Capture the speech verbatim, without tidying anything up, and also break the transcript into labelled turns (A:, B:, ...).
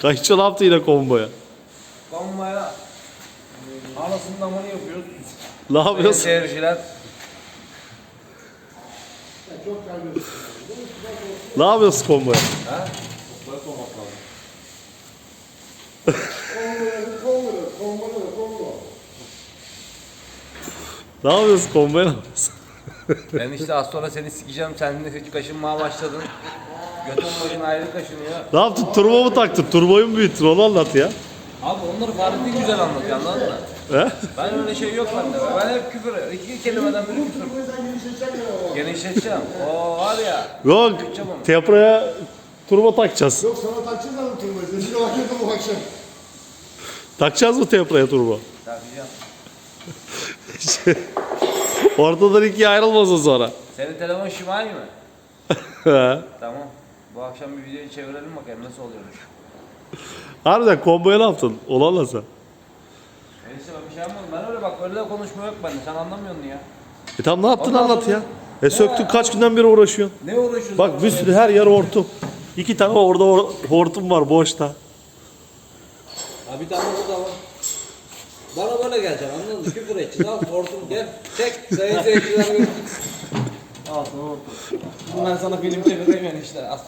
A: Kayıtçı ne yaptı yine komboya?
B: Konvoya anasının damını yapıyoruz.
A: Ne
B: Sayın
A: yapıyorsun?
B: seyirciler.
A: Ne yapıyorsun komboya?
B: Ha? Böyle olmak lazım.
A: Ne yapıyorsun komboya ne yapıyorsun?
B: Ben işte az sonra seni sikeceğim. Sen de kaşınmaya başladın. Götün başın ayrı kaşınıyor.
A: Ne yaptın? Turbo mu taktın? Turboyu mu büyüttün? Onu anlat ya.
B: Abi onları Fahrettin güzel anlatıyor, anladın mı?
A: He?
B: Ben öyle şey yok bende. Ben hep küfür. İki kelimeden biri küfür. Genişleteceğim. Oo var ya.
A: Yok.
B: Büyüteceğim onu.
A: Tepra'ya turbo takacağız.
C: Yok sana takacağız adam turbayı. Sesini bakıyordum bu akşam.
A: Takacağız mı Tepra'ya turbo?
B: Takacağım.
A: Ortadan ikiye ayrılmasın sonra.
B: Senin telefon Şimay mı?
A: He.
B: Tamam. Bu akşam bir videoyu çevirelim bakayım nasıl oluyormuş.
A: Harbiden komboya ne yaptın? Onu anlat sen.
B: Neyse ben bir şey yapmadım. Ben öyle bak öyle de konuşma yok bende. Sen anlamıyorsun ya.
A: E tamam ne yaptın
B: Ondan
A: anlat
B: sonra-
A: ya. E söktün kaç günden beri uğraşıyorsun.
B: Ne uğraşıyorsun?
A: Bak bir sürü her yer hortum. İki tane orada or- hortum var boşta.
B: Ha bir tane burada var. Bana böyle geleceksin anladın mı? Küfür edeceğiz. Al hortum gel. Çek. Sayın seyirciler. Al sana hortum. Ben sana film çevireyim yani işte.